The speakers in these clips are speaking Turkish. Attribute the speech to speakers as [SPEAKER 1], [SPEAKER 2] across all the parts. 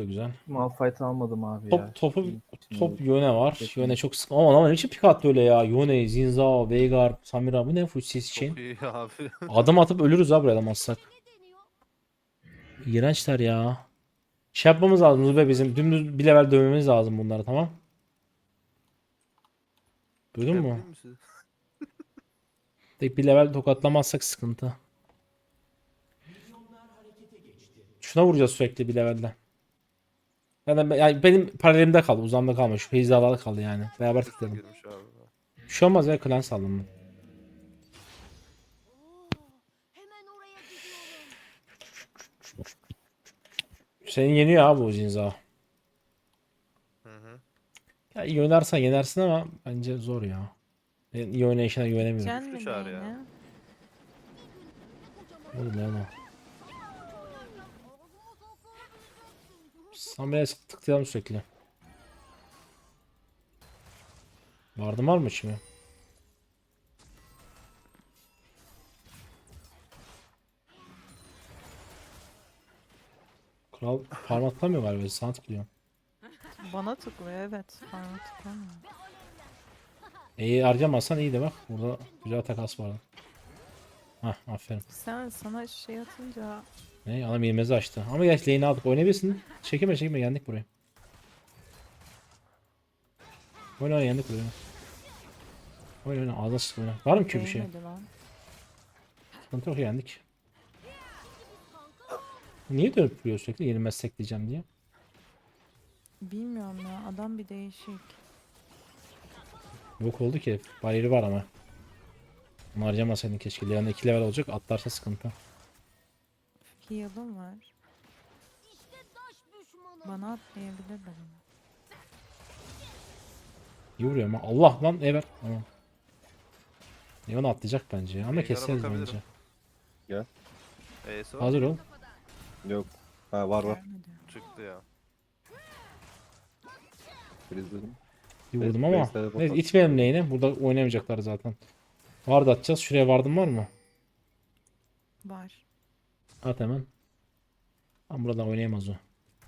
[SPEAKER 1] da güzel.
[SPEAKER 2] Malphite almadım abi
[SPEAKER 1] Top
[SPEAKER 2] ya.
[SPEAKER 1] topu
[SPEAKER 2] Şimdi
[SPEAKER 1] top Yone var.
[SPEAKER 2] kesin.
[SPEAKER 1] Yone çok sık. Ama ne biçim pik attı öyle ya. Yone, Zinzao, Veigar, Samira bu ne full sis
[SPEAKER 3] Çok
[SPEAKER 1] için.
[SPEAKER 3] iyi abi.
[SPEAKER 1] Adım atıp ölürüz ha buraya alamazsak. İğrençler ya. Şey yapmamız lazım Zube bizim. Dümdüz bir level dövmemiz lazım bunları, tamam. Duydun
[SPEAKER 3] Ne
[SPEAKER 1] mu?
[SPEAKER 3] bileyim siz.
[SPEAKER 1] Tek bir level tokatlamazsak sıkıntı. Şuna vuracağız sürekli bir levelde. Yani benim paralelimde kaldı. Uzamda kalma. Şu hizalarda kaldı yani. Beraber
[SPEAKER 3] Üstü
[SPEAKER 1] tıklayalım.
[SPEAKER 3] girmiş abi.
[SPEAKER 1] Bir şey olmaz ya, klan saldım ben. Seni yeniyor abi o Zinza.
[SPEAKER 3] Hı hı.
[SPEAKER 1] Ya iyi oynarsan yenersin ama bence zor ya. Ben iyi oynayışına güvenemiyorum.
[SPEAKER 4] Can
[SPEAKER 3] Güçlü
[SPEAKER 4] mı
[SPEAKER 3] çağır ya.
[SPEAKER 4] neyine?
[SPEAKER 1] Oğlum ne ama. Samir'e tıklayalım sürekli. Vardı var mı şimdi? Kral parmaklamıyor galiba. Sana tıklıyor.
[SPEAKER 4] Bana tıklıyor evet. Bana tıklamıyor.
[SPEAKER 1] İyi harcamazsan iyi de bak. Burada güzel takas vardı. Hah aferin.
[SPEAKER 4] Sen sana şey atınca
[SPEAKER 1] Ne? Adam ilmezi açtı. Ama geç lane'i aldık. Oynayabilirsin. Çekeme çekeme yendik burayı. Oyna oyna yendik burayı. Oyna oyna ağzına sık oyna. Var mı ki bir şey?
[SPEAKER 4] değmedi lan.
[SPEAKER 1] Sıkıntı yok, yendik. Niye dönüp duruyor sürekli yenilmezsek diyeceğim diye.
[SPEAKER 4] Bilmiyorum ya adam bir değişik.
[SPEAKER 1] Yok oldu ki. Bariyeri var ama. Onu harcamasaydın keşke. Leon'da 2 level olacak. Atlarsa sıkıntı.
[SPEAKER 4] Heal'ım var. Bana atlayabilirler ama.
[SPEAKER 1] İyi vuruyor ama. Allah lan evet. Tamam. Leon atlayacak bence ya. Ama
[SPEAKER 3] Veigar'a
[SPEAKER 1] keseriz
[SPEAKER 3] bakabilirim.
[SPEAKER 1] bence.
[SPEAKER 5] Gel.
[SPEAKER 3] E'si var.
[SPEAKER 1] Hazır ol.
[SPEAKER 5] Yok. Ha var.
[SPEAKER 4] Gelmedi.
[SPEAKER 3] Çıktı ya.
[SPEAKER 5] Frizledim.
[SPEAKER 1] İyi
[SPEAKER 5] Evet,
[SPEAKER 1] vurdum ama.
[SPEAKER 5] base'lere
[SPEAKER 1] Neyse
[SPEAKER 5] bakalım.
[SPEAKER 1] itmeyelim lane'i. Burada oynamayacaklar zaten. Ward atacağız. Şuraya ward'ın var mı?
[SPEAKER 4] Var.
[SPEAKER 1] At hemen. Ama buradan oynayamaz o.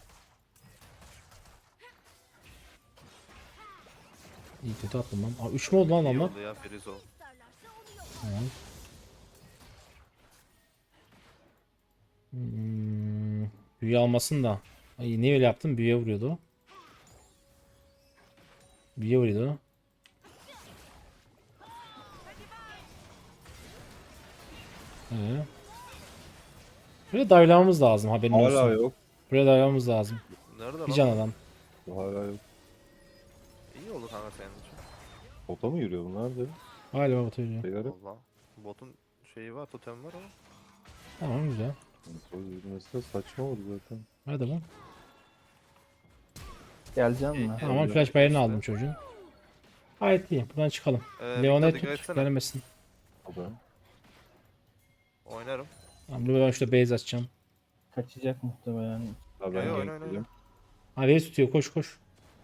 [SPEAKER 1] İyi kötü attım lan. Aa, 3 mü oldu lan
[SPEAKER 3] İyi
[SPEAKER 1] adamlar?
[SPEAKER 3] oldu ya Frizo.
[SPEAKER 1] Tamam. Büyü almasın da. Ay niye öyle yaptın? Büyüye vuruyordu o. Büyüye vuruyordu o. Ee. Buraya dive'lamamız lazım, haberin
[SPEAKER 5] Hala
[SPEAKER 1] olsun.
[SPEAKER 5] yok.
[SPEAKER 1] Buraya dive'lamamız lazım.
[SPEAKER 3] Nerede
[SPEAKER 1] Bir
[SPEAKER 3] lan?
[SPEAKER 1] can
[SPEAKER 3] o?
[SPEAKER 1] adam.
[SPEAKER 5] Hala yok.
[SPEAKER 3] İyi oldu kanka senin için.
[SPEAKER 5] Bota mı yürüyor bunlar da?
[SPEAKER 1] Galiba batıyor.
[SPEAKER 5] Sigara.
[SPEAKER 3] Valla. Botun şeyi var, totem var ama.
[SPEAKER 1] Tamam güzel.
[SPEAKER 5] Sonra yürümesi de saçma oldu zaten.
[SPEAKER 1] Hadi bak.
[SPEAKER 2] Geleceğim mi?
[SPEAKER 1] Tamam
[SPEAKER 5] Öyle.
[SPEAKER 1] flash bayırını
[SPEAKER 3] İşte.
[SPEAKER 1] aldım çocuğun. Gayet iyi. Buradan çıkalım.
[SPEAKER 3] Leon'a
[SPEAKER 1] Leon'a
[SPEAKER 3] dikkat
[SPEAKER 1] tut.
[SPEAKER 3] etsene.
[SPEAKER 1] Gelmesin.
[SPEAKER 5] O da.
[SPEAKER 3] Oynarım.
[SPEAKER 1] Tamam ben şurada base açacağım.
[SPEAKER 2] Kaçacak muhtemelen.
[SPEAKER 5] Ha ben
[SPEAKER 3] Oyna, oyna,
[SPEAKER 5] gank
[SPEAKER 3] oyna.
[SPEAKER 5] yedim.
[SPEAKER 1] Ha base tutuyor, koş koş.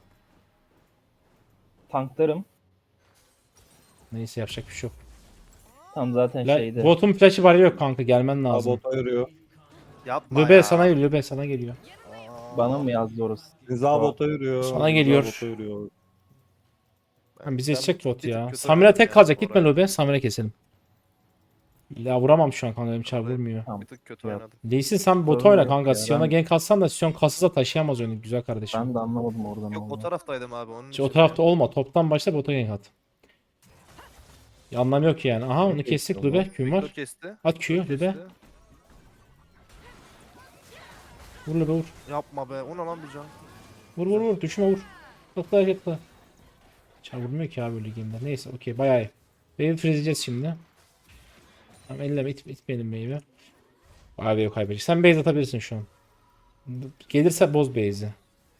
[SPEAKER 2] Tanklarım.
[SPEAKER 1] Neyse yapacak bir şey yok.
[SPEAKER 2] Tam zaten şeyde.
[SPEAKER 1] Botun flash'ı var yok kanka, gelmen
[SPEAKER 5] Ha
[SPEAKER 1] lazım.
[SPEAKER 5] bota yürüyor.
[SPEAKER 3] Yapma
[SPEAKER 1] Löbe
[SPEAKER 3] ya.
[SPEAKER 1] sana geliyor, Löbe sana geliyor.
[SPEAKER 2] Bana mı yazdı orası?
[SPEAKER 5] Rıza bota yürüyor.
[SPEAKER 1] Sana
[SPEAKER 5] Rıza
[SPEAKER 1] geliyor.
[SPEAKER 5] Bota yürüyor.
[SPEAKER 1] Ha, bize yetecek bot
[SPEAKER 3] bir tık
[SPEAKER 1] ya.
[SPEAKER 3] kötü
[SPEAKER 1] Samira
[SPEAKER 3] oynadım
[SPEAKER 1] tek
[SPEAKER 3] ya
[SPEAKER 1] kalacak,
[SPEAKER 3] bu
[SPEAKER 1] gitme
[SPEAKER 3] arada.
[SPEAKER 1] Löbe. Samira keselim. Ya vuramam şu an kanka, benim çar
[SPEAKER 3] Vallahi-
[SPEAKER 1] vurmuyor.
[SPEAKER 2] Tamam.
[SPEAKER 3] Bir tık kötü
[SPEAKER 2] Ya,
[SPEAKER 3] oynadım.
[SPEAKER 1] Değilsin sen bota
[SPEAKER 2] Sorun
[SPEAKER 1] oyna
[SPEAKER 2] yok
[SPEAKER 1] kanka.
[SPEAKER 2] ya,
[SPEAKER 1] Sion'a
[SPEAKER 2] ben-
[SPEAKER 1] gank atsan da Sion kasıza taşıyamaz oyunu güzel kardeşim.
[SPEAKER 2] Ben de anlamadım oradan
[SPEAKER 3] Yok o
[SPEAKER 2] oldu.
[SPEAKER 3] taraftaydım abi onun
[SPEAKER 1] İşte o
[SPEAKER 3] için
[SPEAKER 1] tarafta
[SPEAKER 3] ya.
[SPEAKER 1] olma. Toptan başla, bota gank at. Ya anlam yok ki yani. Aha onu kestik
[SPEAKER 5] Geçti
[SPEAKER 1] Löbe. Küm
[SPEAKER 3] Victor
[SPEAKER 1] var.
[SPEAKER 3] kesti.
[SPEAKER 1] At Q'yu
[SPEAKER 3] Victor
[SPEAKER 1] Löbe.
[SPEAKER 3] kesti.
[SPEAKER 1] Vur Löbe vur.
[SPEAKER 3] Yapma be. O ne lan bir can?
[SPEAKER 1] Vur vur vur. Düşme vur. Tıkla tıkla. Çar vurmuyor ki abi öyle game'de. Neyse okey bayağı iyi. Wave'i freezleyeceğiz şimdi. Tamam elleme itmeyelim wave'i. Bayağı wave kaybedecek. Sen base atabilirsin şu an. Gelirse boz base'i.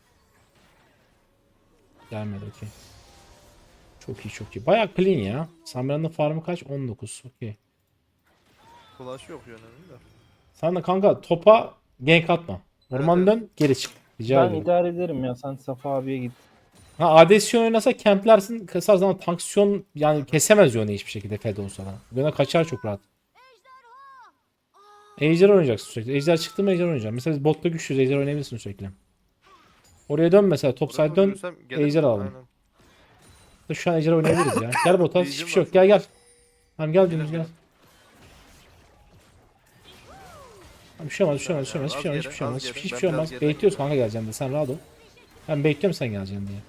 [SPEAKER 1] Gelmedi okey. Çok iyi çok iyi. Bayağı clean ya. Samira'nın farmı kaç? 19. Okey.
[SPEAKER 3] Flash yok yönünün de.
[SPEAKER 1] Sen de kanka topa gank atma. Orman
[SPEAKER 3] Evet,
[SPEAKER 1] dön geri çık. Rica
[SPEAKER 2] Ben
[SPEAKER 1] ederim.
[SPEAKER 2] idare ederim ya. Sen Safa abiye git.
[SPEAKER 1] Ha ADC oynasa kemplersin, kasar zaman tanksiyon yani kesemez Yone'yi hiçbir şekilde Fed olsa da. Yone kaçar çok rahat. Ejder oynayacaksın sürekli. Ejder çıktı mı Ejder oynayacaksın. Mesela biz botta güçlüyüz, Ejder oynayabilirsin sürekli. Oraya dön mesela. Top
[SPEAKER 3] Oraya
[SPEAKER 1] side
[SPEAKER 3] doğru
[SPEAKER 1] dön.
[SPEAKER 3] yürüsem gelir
[SPEAKER 1] Ejder
[SPEAKER 3] mi?
[SPEAKER 1] alalım.
[SPEAKER 3] Aynen.
[SPEAKER 1] Şu an ejder oynayabiliriz ya. Gel bota. Hiçbir
[SPEAKER 3] Diyeceğim
[SPEAKER 1] şey yok.
[SPEAKER 3] aslında.
[SPEAKER 1] Gel gel. Tamam gel
[SPEAKER 3] Gelir,
[SPEAKER 1] dümdüz gel.
[SPEAKER 3] gelir.
[SPEAKER 1] Tamam, bir şey olmaz, bir şey olmaz, bir şey olmaz,
[SPEAKER 3] Az
[SPEAKER 1] hiçbir şey olmaz,
[SPEAKER 3] geri,
[SPEAKER 1] hiçbir şey olmaz,
[SPEAKER 3] az geri.
[SPEAKER 1] hiçbir
[SPEAKER 3] Ben
[SPEAKER 1] şey
[SPEAKER 3] biraz
[SPEAKER 1] olmaz.
[SPEAKER 3] geriden
[SPEAKER 1] Bekliyoruz
[SPEAKER 3] gidiyorum.
[SPEAKER 1] kanka geleceğim diye. Sen rahat ol. Ben bekliyorum sen geleceksin diye.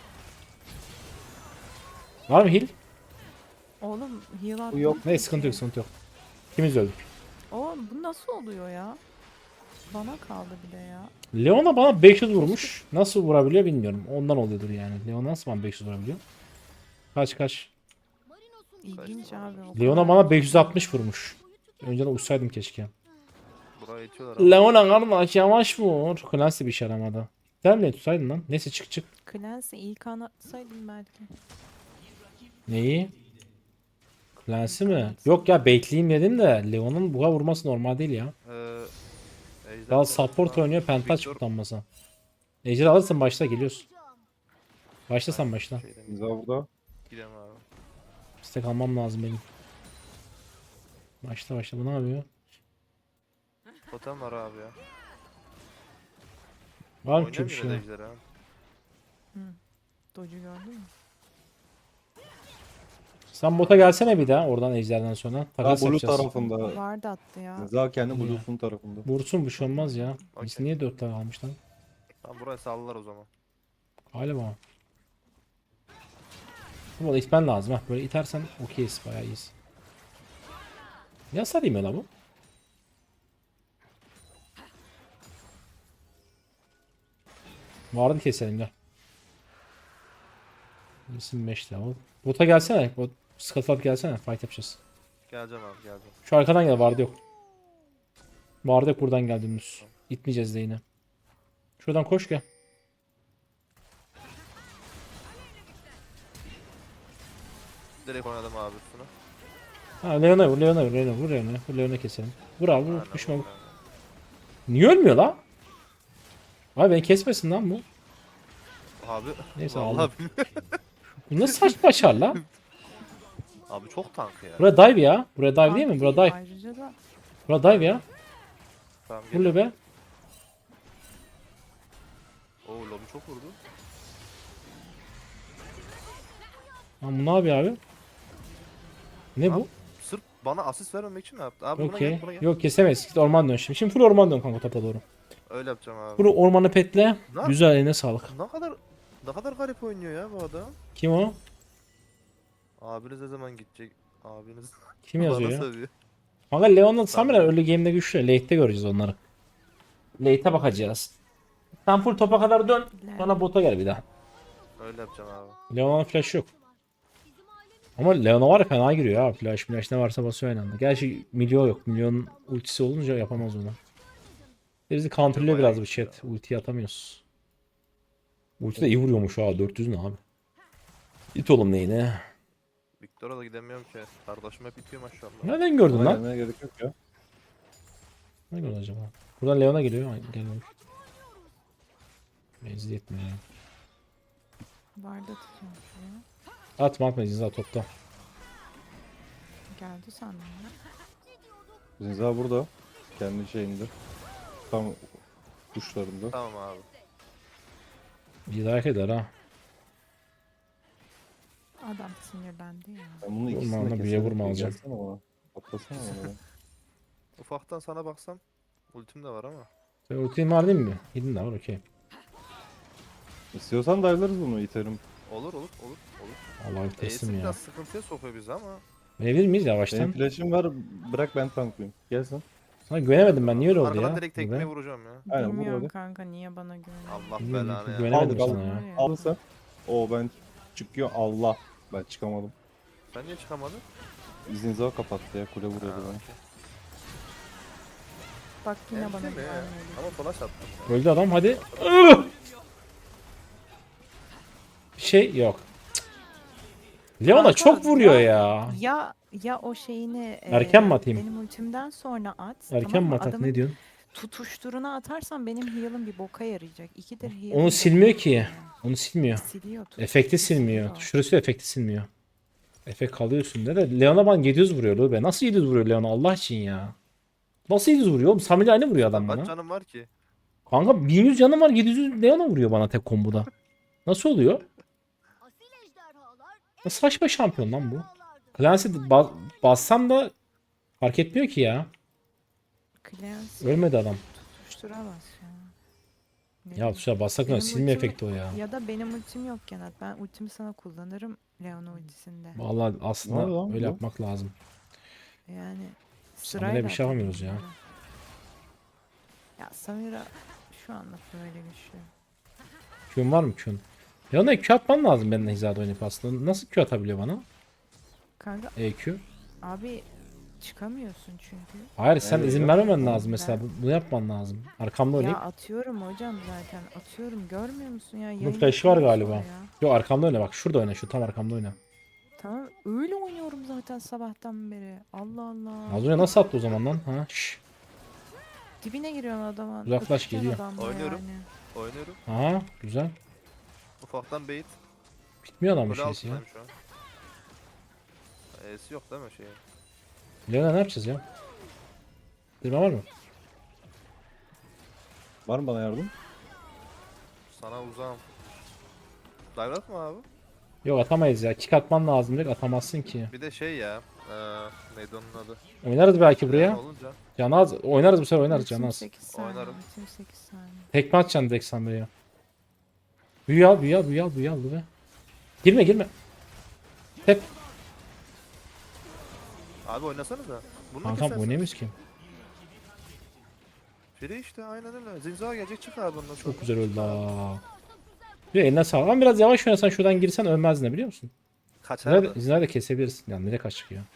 [SPEAKER 1] Var mı heal?
[SPEAKER 4] Oğlum heal attım.
[SPEAKER 2] yok.
[SPEAKER 1] Ne sıkıntı yok, sıkıntı yok. İkimiz de öldük.
[SPEAKER 4] Oğlum bu nasıl oluyor ya? Bana kaldı bir de ya.
[SPEAKER 1] Leona bana 500 vurmuş. Nasıl vurabiliyor bilmiyorum. Ondan oluyordur yani. Leona nasıl bana 500 vurabiliyor? Kaç kaç.
[SPEAKER 4] İlginç abi. o
[SPEAKER 1] Leona
[SPEAKER 4] kadar.
[SPEAKER 1] bana 560 vurmuş. Önceden uçsaydım keşke.
[SPEAKER 3] Buraya itiyorlar abi.
[SPEAKER 1] Leona kardeş yavaş vur. Clancy bir şey aramadı. Sen ne tutsaydın lan? Neyse çık çık.
[SPEAKER 4] Clancy ilk an atsaydım belki.
[SPEAKER 1] Neyi? Clancy mi? Yok ya bekleyeyim dedim de Leon'un buğa vurması normal değil ya.
[SPEAKER 3] Ejder
[SPEAKER 1] Daha
[SPEAKER 3] konusunda
[SPEAKER 1] support oynuyor pentaç
[SPEAKER 3] Victor
[SPEAKER 1] kullanmasa. Ejder alırsın başla geliyorsun. Başla sen başla.
[SPEAKER 3] şeyden
[SPEAKER 5] Zinza burada.
[SPEAKER 3] gidelim abi.
[SPEAKER 1] İstek almam lazım benim. Başla başla bu ne yapıyor?
[SPEAKER 3] Totem var abi ya.
[SPEAKER 1] Var mı ki bir
[SPEAKER 3] Oynayayım yine de
[SPEAKER 1] şey?
[SPEAKER 3] ejder ha.
[SPEAKER 4] Doge'u gördün mü?
[SPEAKER 1] Sen bota gelsene bir daha oradan ejderden sonra.
[SPEAKER 5] Daha
[SPEAKER 1] Takas
[SPEAKER 5] blue
[SPEAKER 1] yapacağız.
[SPEAKER 5] tarafında.
[SPEAKER 4] Vardı attı ya.
[SPEAKER 5] Zinza kendi
[SPEAKER 1] İyi.
[SPEAKER 5] blue'sun tarafında.
[SPEAKER 1] Vursun bir şey olmaz ya. Biz
[SPEAKER 3] Okey.
[SPEAKER 1] niye 4 tane almış lan?
[SPEAKER 3] Tamam buraya sallar o zaman.
[SPEAKER 1] Galiba. Bu itmen lazım ha. Böyle itersen okeyiz bayağı iyiyiz. Ne hasar yemiyor lan bu? Vardı keselim gel. 25 level. Bota gelsene. Bot Scuttlebot gelsene. Fight yapacağız.
[SPEAKER 3] Geleceğim abi geleceğim.
[SPEAKER 1] Şu arkadan gel vardı yok. Vardı yok buradan gel dümdüz. Gitmeyeceğiz de yine. Şuradan koş gel.
[SPEAKER 3] Direkt oynadım abi üstüne.
[SPEAKER 1] Ha Leon'a vur Leon'a vur Leon'a vur Leon'a vur Leon'a keselim. Vur abi vur
[SPEAKER 3] Aynen,
[SPEAKER 1] düşme vur.
[SPEAKER 3] aynen.
[SPEAKER 1] Niye ölmüyor la? Abi beni kesmesin lan bu.
[SPEAKER 3] Abi
[SPEAKER 1] Neyse,
[SPEAKER 3] vallahi
[SPEAKER 1] aldım.
[SPEAKER 3] bilmiyorum.
[SPEAKER 1] Bu nasıl saçma başar la?
[SPEAKER 3] Abi çok tank ya.
[SPEAKER 1] Buraya dive ya. Buraya dive değil mi?
[SPEAKER 4] Tank
[SPEAKER 1] Buraya dive.
[SPEAKER 4] Ayrıca da
[SPEAKER 1] Buraya dive ya.
[SPEAKER 3] Tamam
[SPEAKER 1] Vur
[SPEAKER 3] gel.
[SPEAKER 1] be.
[SPEAKER 3] Oo lobi çok vurdu.
[SPEAKER 1] Lan bu ne yapıyor abi? Ne bu?
[SPEAKER 3] Abi, sırf bana asist vermemek için mi yaptı? Abi buna
[SPEAKER 1] Okey.
[SPEAKER 3] gel buna gel.
[SPEAKER 1] Yok kesemeyiz. Git orman dön şimdi. Şimdi full orman dön kanka topa doğru.
[SPEAKER 3] Öyle yapacağım abi.
[SPEAKER 1] Full ormanı petle.
[SPEAKER 3] Ne?
[SPEAKER 1] Güzel eline sağlık.
[SPEAKER 3] Ne kadar garip oynuyor ya bu adam.
[SPEAKER 1] Kim o?
[SPEAKER 3] Abiniz ne zaman gidecek? Abiniz
[SPEAKER 1] Kim yazıyor
[SPEAKER 3] bana
[SPEAKER 1] ya?
[SPEAKER 3] sövüyor.
[SPEAKER 1] Kanka Leon'la Samira
[SPEAKER 3] Tamam.
[SPEAKER 1] early game'de güçlü. Late'de göreceğiz onları. Late'e bakacağız. Sen full topa kadar dön. Sonra bota gel bir daha.
[SPEAKER 3] Öyle yapacağım abi.
[SPEAKER 1] Leona'nın flash yok. Ama Leona var ya fena giriyor ha. Flash ne varsa basıyor aynı anda. Gerçi Milyon yok. Milyonun ultisi olunca yapamaz onu. Bizi counterlıyor
[SPEAKER 3] Bayağı
[SPEAKER 1] biraz bu
[SPEAKER 3] iyi
[SPEAKER 1] chat. Ultiyi atamıyoruz. Ulti de iyi vuruyormuş ha. 400 ne abi? İt oğlum neyine?
[SPEAKER 3] Victor'a da gidemiyorum ki. Kardeşim hep bitiyor maşallah.
[SPEAKER 1] Nereden gördün
[SPEAKER 5] Buna
[SPEAKER 1] lan?
[SPEAKER 5] gelmeye gerek yok ya.
[SPEAKER 1] Ne gördün acaba? Buradan Leona geliyor. Ay, gelmemiş. Menzil yetmiyor ya.
[SPEAKER 4] vardı tutuyormuş ya.
[SPEAKER 1] Atma Zinza topta.
[SPEAKER 4] Geldi sandım ya.
[SPEAKER 5] Zinza burada. Kendi şeyinde. Tam kuşlarında.
[SPEAKER 3] Tamam abi.
[SPEAKER 1] İdrak eder ha.
[SPEAKER 4] Adam sinirlendi ya.
[SPEAKER 5] Ben bunu
[SPEAKER 1] Vurma
[SPEAKER 5] ikisini
[SPEAKER 1] ona,
[SPEAKER 5] de
[SPEAKER 1] büyüye
[SPEAKER 5] keserim.
[SPEAKER 1] vurma alacağım.
[SPEAKER 5] Gelsene bana. Atlasana bana.
[SPEAKER 3] Ufaktan sana baksam ultim de var ama.
[SPEAKER 1] Sen ultin var değil mi? Gidin de var okey.
[SPEAKER 5] İstiyorsan dive'larız bunu iterim.
[SPEAKER 3] Olur.
[SPEAKER 1] Allah'ım teslim
[SPEAKER 3] Ace'i
[SPEAKER 1] ya.
[SPEAKER 3] biraz sıkıntıya sokuyor bizi ama.
[SPEAKER 1] Verebilir miyiz
[SPEAKER 5] Benim
[SPEAKER 1] yavaştan?
[SPEAKER 5] flash'im var. Bırak ben tanklayayım. Gel sen.
[SPEAKER 1] Sana güvenemedim ben. Niye öyle oldu
[SPEAKER 3] Arkadan
[SPEAKER 1] ya?
[SPEAKER 3] direkt
[SPEAKER 1] Bu
[SPEAKER 3] tekmeye
[SPEAKER 1] be.
[SPEAKER 3] vuracağım ya.
[SPEAKER 5] Aynen, vur
[SPEAKER 4] Bilmiyorum
[SPEAKER 5] hadi.
[SPEAKER 4] kanka niye bana güveniyor.
[SPEAKER 3] Allah
[SPEAKER 1] Bilmiyorum,
[SPEAKER 3] belanı ya.
[SPEAKER 1] güvenemedim
[SPEAKER 5] Aldık,
[SPEAKER 1] sana ya.
[SPEAKER 5] Aldın sen. Oo ben çıkıyor. Allah. Ben çıkamadım.
[SPEAKER 3] Sen niye çıkamadın?
[SPEAKER 5] Zinza kapattı ya. Kule vuruyordu
[SPEAKER 3] Ha,
[SPEAKER 5] bana.
[SPEAKER 3] okey.
[SPEAKER 4] Bak yine bana
[SPEAKER 3] Ensene ya.
[SPEAKER 4] güvenmedi.
[SPEAKER 3] Ama flash attım. ya.
[SPEAKER 1] Öldü adam hadi. Bir şey yok. Cık. Leona
[SPEAKER 4] Kanka,
[SPEAKER 1] çok vuruyor
[SPEAKER 4] ya-
[SPEAKER 1] ya.
[SPEAKER 4] Ya o şeyini
[SPEAKER 1] Erken mi atayım?
[SPEAKER 4] benim ultimden sonra at.
[SPEAKER 1] Erken
[SPEAKER 4] tamam
[SPEAKER 1] mi
[SPEAKER 4] mı?
[SPEAKER 1] atak
[SPEAKER 4] Adamın
[SPEAKER 1] ne diyorsun?
[SPEAKER 4] tutuşturuna atarsan benim heal'ım bir boka yarayacak. İkidir heal'ım
[SPEAKER 1] Onu
[SPEAKER 4] boka
[SPEAKER 1] silmiyor ki.
[SPEAKER 4] yarıyor.
[SPEAKER 1] Onu silmiyor.
[SPEAKER 4] Siliyor.
[SPEAKER 1] Efekti silmiyor. Şurası efekti silmiyor. Efekt kalıyor üstünde de. Leona bana 700 vuruyor lo be. Nasıl 700 vuruyor Leona Allah için ya? Nasıl 700 vuruyor oğlum? Samira aynı vuruyor adam
[SPEAKER 3] Kaç
[SPEAKER 1] bana.
[SPEAKER 3] canım var ki?
[SPEAKER 1] Kanka 1100 canım var, 700 Leona vuruyor bana tek komboda. Nasıl oluyor? Ne saçma şampiyon lan bu. Clancy bassam da fark etmiyor ki ya.
[SPEAKER 4] Clancy
[SPEAKER 1] Ölmedi adam.
[SPEAKER 4] tutuşturamaz ya. Ne
[SPEAKER 1] Ya
[SPEAKER 4] bileyim.
[SPEAKER 1] tuşa bassak ne
[SPEAKER 4] Benim
[SPEAKER 1] silme
[SPEAKER 4] ultimi-
[SPEAKER 1] efekti o ya.
[SPEAKER 4] Ya da benim ultim yok Genat. Ben ultimi sana kullanırım Leona ultisinde.
[SPEAKER 1] Vallahi
[SPEAKER 5] Ne
[SPEAKER 1] aslında
[SPEAKER 5] lan
[SPEAKER 1] öyle
[SPEAKER 5] bu?
[SPEAKER 1] yapmak lazım.
[SPEAKER 4] Yani
[SPEAKER 1] Samira'ya bir şey
[SPEAKER 4] atabilirim
[SPEAKER 1] yapamıyoruz ya.
[SPEAKER 4] böyle. Ya Samira şu anlık böyle güçlü.
[SPEAKER 1] Q'un var mı Q'un? Leona'ya Q atman lazım benimle hizada oynayıp aslında. Nasıl Q atabiliyor bana?
[SPEAKER 4] Kanka
[SPEAKER 1] EQ.
[SPEAKER 4] abi çıkamıyorsun çünkü.
[SPEAKER 1] Hayır sen
[SPEAKER 5] Evet,
[SPEAKER 1] izin
[SPEAKER 5] yok.
[SPEAKER 1] vermemen lazım
[SPEAKER 4] Ben-
[SPEAKER 1] mesela. Bunu yapman lazım. Arkamda
[SPEAKER 4] Ya
[SPEAKER 1] oynayıp.
[SPEAKER 4] atıyorum hocam zaten. Atıyorum görmüyor musun ya?
[SPEAKER 1] Bunun
[SPEAKER 4] Yayın
[SPEAKER 1] flash'ı var
[SPEAKER 4] yapıyorum
[SPEAKER 1] galiba.
[SPEAKER 4] sonra ya.
[SPEAKER 1] Yok arkamda oyna bak. Şurada oyna. Şu tam arkamda oyna.
[SPEAKER 4] Tamam öyle oynuyorum zaten sabahtan beri. Allah Allah.
[SPEAKER 1] Az önce nasıl attı o zaman lan? Ha? Şşş.
[SPEAKER 4] Dibine giriyorsun adamın.
[SPEAKER 1] Uzaklaş,
[SPEAKER 4] öpüşeceksin
[SPEAKER 1] geliyor.
[SPEAKER 4] adamla
[SPEAKER 3] Oynuyorum.
[SPEAKER 4] Yani.
[SPEAKER 3] Oynuyorum.
[SPEAKER 1] Aha güzel.
[SPEAKER 3] Ufaktan bait.
[SPEAKER 1] Bitmiyor adam bu
[SPEAKER 3] Kule
[SPEAKER 1] şeysi ya.
[SPEAKER 3] altındayım şu an. E'si yok değil mi şey?
[SPEAKER 1] Leona ne yapacağız ya? Dirme var mı?
[SPEAKER 5] Var mı bana yardım?
[SPEAKER 3] Sana uzağım. Dive at mı abi?
[SPEAKER 1] Yok atamayız ya. Kick atman lazım direkt, atamazsın ki.
[SPEAKER 3] Bir de şey ya. Neydi onun adı?
[SPEAKER 1] Oynarız belki
[SPEAKER 3] Leon
[SPEAKER 1] buraya.
[SPEAKER 3] olunca.
[SPEAKER 1] Canaz oynarız bu sefer, oynarız
[SPEAKER 4] Ultim
[SPEAKER 1] Canaz.
[SPEAKER 4] 8 saniye.
[SPEAKER 3] Oynarım.
[SPEAKER 4] Ultim 8 saniye.
[SPEAKER 1] Tekme atacaksın direkt Samira'ya. Büyü al, büyü al, büyü al, büyü al be. Girme, girme. Hep.
[SPEAKER 3] Abi oynasanıza. Bunu da
[SPEAKER 1] Kankam
[SPEAKER 3] kesersiniz.
[SPEAKER 1] oynayamıyoruz ki.
[SPEAKER 3] Free işte aynen öyle. Zinza gelecek çık abi ondan sonra.
[SPEAKER 1] Çok güzel öldü aa. Bir eline sağlık. Ama biraz yavaş oynasan şuradan girsen ölmezdin de biliyor musun?
[SPEAKER 3] Kaçardı.
[SPEAKER 1] Zinayı da kesebilirsin. Yani nereye kaçtık ya.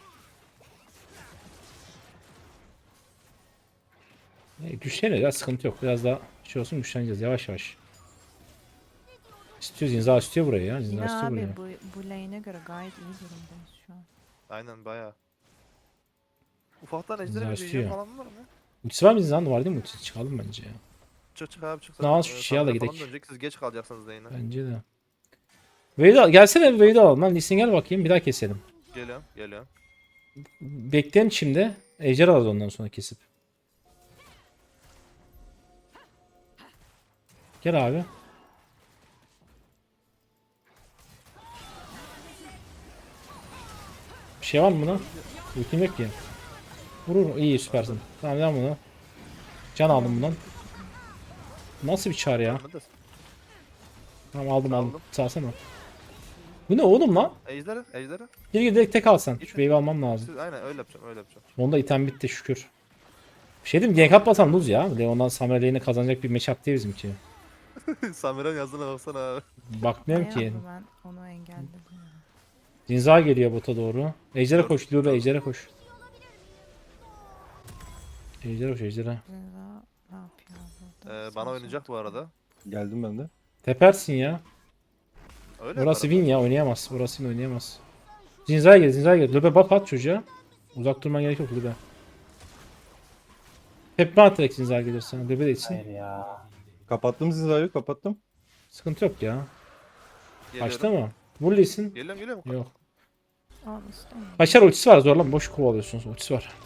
[SPEAKER 1] Güçlenir ya, sıkıntı yok. Biraz daha şey olsun, güçleneceğiz yavaş yavaş. İstiyor Zinza, istiyor burayı ya. Zinza
[SPEAKER 4] Yine
[SPEAKER 1] istiyor burayı.
[SPEAKER 4] abi bu lane'e göre gayet iyi durumdayız şu an.
[SPEAKER 3] Aynen baya. Ufaktan
[SPEAKER 1] Zinza
[SPEAKER 3] ejderi bir
[SPEAKER 1] istiyor.
[SPEAKER 3] video falan var mı?
[SPEAKER 1] Ultisi var mı Zinza'nın? Var değil mi ultisi? Çıkalım bence ya.
[SPEAKER 3] Çık abi çık.
[SPEAKER 1] Ne az şu şey al da
[SPEAKER 3] Samira falan
[SPEAKER 1] gidelim.
[SPEAKER 3] dönecek, siz geç kalacaksınız da yine.
[SPEAKER 1] Bence de. Wade'i al. Gelsene bir Wade'i alalım lan. Lee Sin gel bakayım. Bir daha keselim.
[SPEAKER 3] Geliyorum geliyorum.
[SPEAKER 1] Bekleyin şimdi. Ejder alırız ondan sonra kesip. Gel abi. Bir şey var mı buna? Ultim yok ki. Vurur. İyi süpersin. Tamam devam bunu. Can aldım bundan. Nasıl bir çağrı ya?
[SPEAKER 3] Ölmedi de-
[SPEAKER 1] Tamam aldım aldım.
[SPEAKER 3] Aldım.
[SPEAKER 1] Sağsana. Bu ne oğlum lan?
[SPEAKER 3] Ejderi.
[SPEAKER 1] Gir direkt tek al sen. Şu
[SPEAKER 3] Git.
[SPEAKER 1] wave'i almam lazım.
[SPEAKER 3] Siz aynen öyle yapacağım öyle yapacağım.
[SPEAKER 1] Onda item bitti şükür. Bir şey diyeyim mi? Gank atmasam lose ya. Leon'dan Samuel lane'e kazanacak bir matchup değil bizimki.
[SPEAKER 3] Samira'nın yazdığına baksana abi.
[SPEAKER 1] Bakmıyorum ki.
[SPEAKER 4] Bayağı ben onu engelledim. ya.
[SPEAKER 1] Zinza geliyor bota doğru. Ejder'e
[SPEAKER 3] Dur,
[SPEAKER 1] koş. Lure
[SPEAKER 3] dur.
[SPEAKER 1] Ejder'e koş. Ejder'e koş Ejder'e.
[SPEAKER 4] Zira ne yapıyor burada?
[SPEAKER 3] Bana
[SPEAKER 4] Sağ
[SPEAKER 3] oynayacak bu arada.
[SPEAKER 5] Geldim ben de.
[SPEAKER 1] Tepersin ya.
[SPEAKER 3] Öyle
[SPEAKER 1] Burası
[SPEAKER 3] yaparım
[SPEAKER 1] win ya, oynayamaz. Burası win, oynayamaz. Zinza'ya gel, Zinza'ya gel. Lube buff at çocuğa. Uzak durman gerek yok Lube. Hep at direkt Zinza'ya gelirsen. Lube de içsin.
[SPEAKER 2] Hayır ya.
[SPEAKER 5] Kapattım Zinza'yı, kapattım.
[SPEAKER 1] Sıkıntı yok ya.
[SPEAKER 3] ben.
[SPEAKER 1] Kaçtı mı? Vur Lee'sin.
[SPEAKER 3] Geliyorum.
[SPEAKER 1] Yok.
[SPEAKER 4] Al istemiyorum.
[SPEAKER 1] Kaçar ultisi var, zorlama. Boş kovalıyorsunuz. Ultisi var.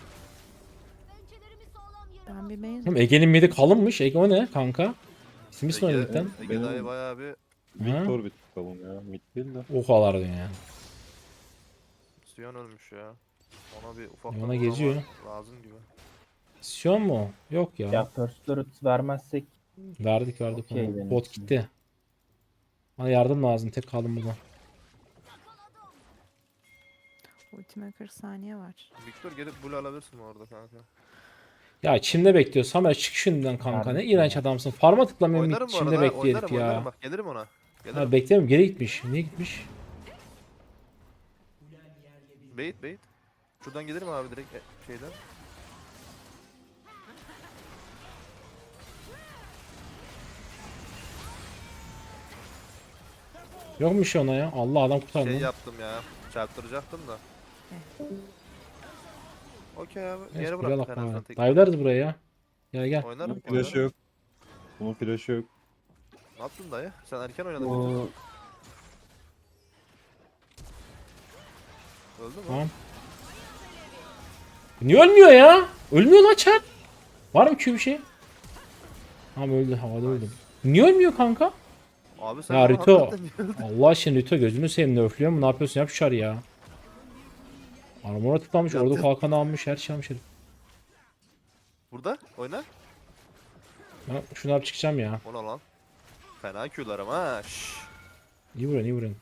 [SPEAKER 4] Ben bir base
[SPEAKER 1] Oğlum Ege'nin midi kalınmış. Ege o ne kanka? İsim ismi
[SPEAKER 3] Ege,
[SPEAKER 1] oynadıktan.
[SPEAKER 3] Ege
[SPEAKER 5] Benim-
[SPEAKER 3] dayı bayağı bir
[SPEAKER 5] Victor bir bakalım ya. Mid değil de.
[SPEAKER 1] Ohalar ya.
[SPEAKER 3] Sion ölmüş ya. Ona bir ufak
[SPEAKER 1] Ona geziyor.
[SPEAKER 3] lazım gibi.
[SPEAKER 1] Sion mu? Yok ya.
[SPEAKER 2] Ya first loot vermezsek
[SPEAKER 1] Verdik
[SPEAKER 2] Okey
[SPEAKER 1] onu.
[SPEAKER 2] benim
[SPEAKER 1] Bot
[SPEAKER 2] için.
[SPEAKER 1] gitti. Bana yardım lazım. Tek kaldım burada.
[SPEAKER 4] ultime 40 saniye var.
[SPEAKER 3] Victor gelip blue alabilirsin orada kanka.
[SPEAKER 1] Ya içimde bekliyor. Samer çık şundan kanka. Ne
[SPEAKER 2] Verdik
[SPEAKER 1] iğrenç
[SPEAKER 2] ya.
[SPEAKER 1] adamsın. Farma tıklamıyorum.
[SPEAKER 3] Oynarım bu
[SPEAKER 1] İçimde
[SPEAKER 3] arada.
[SPEAKER 1] bekliyor
[SPEAKER 3] Oynarım
[SPEAKER 1] herif ya.
[SPEAKER 3] oynarım bak gelirim ona. Gelirim.
[SPEAKER 1] Ha, beklemiyorum. Geri gitmiş. Niye gitmiş?
[SPEAKER 3] Bait. Şuradan gelirim abi direkt şeyden.
[SPEAKER 1] Yok mu bir şey ona ya? Allah adam kurtardı.
[SPEAKER 3] Şey
[SPEAKER 1] lan.
[SPEAKER 3] yaptım ya. Çarptıracaktım da. Okey abi.
[SPEAKER 1] Neyse,
[SPEAKER 3] Yere
[SPEAKER 1] buraya
[SPEAKER 3] bıraktık
[SPEAKER 1] laf
[SPEAKER 3] en azından
[SPEAKER 1] var.
[SPEAKER 3] tek.
[SPEAKER 1] Dive'larız buraya ya. Gel gel.
[SPEAKER 3] Oynarım.
[SPEAKER 5] Flash yok. Bunun flash yok.
[SPEAKER 3] Ne yaptın dayı? Sen erken oynadın.
[SPEAKER 2] bu
[SPEAKER 3] Öldü mü?
[SPEAKER 1] Tamam. Niye ölmüyor ya? Ölmüyor lan çar. Var mı ki bir şey? Tamam öldü, havada öldü. Niye ölmüyor kanka?
[SPEAKER 3] Abi sen
[SPEAKER 1] Ya
[SPEAKER 3] bana
[SPEAKER 1] Rito.
[SPEAKER 3] hakikaten öldün.
[SPEAKER 1] Allah aşkına Rito gözünü seveyim, nerflüyor mu? Ne yapıyorsun? Yap şar ya. Armora tıklamış,
[SPEAKER 3] Yat,
[SPEAKER 1] orada
[SPEAKER 3] yat.
[SPEAKER 1] kalkanı almış, her şey almış herif.
[SPEAKER 3] Burada oyna.
[SPEAKER 1] Ben şunu yap çıkacağım ya.
[SPEAKER 3] O ne lan? Fena Q'larım ha. Şşş.
[SPEAKER 1] İyi vuruyorsun, iyi vuruyorsun.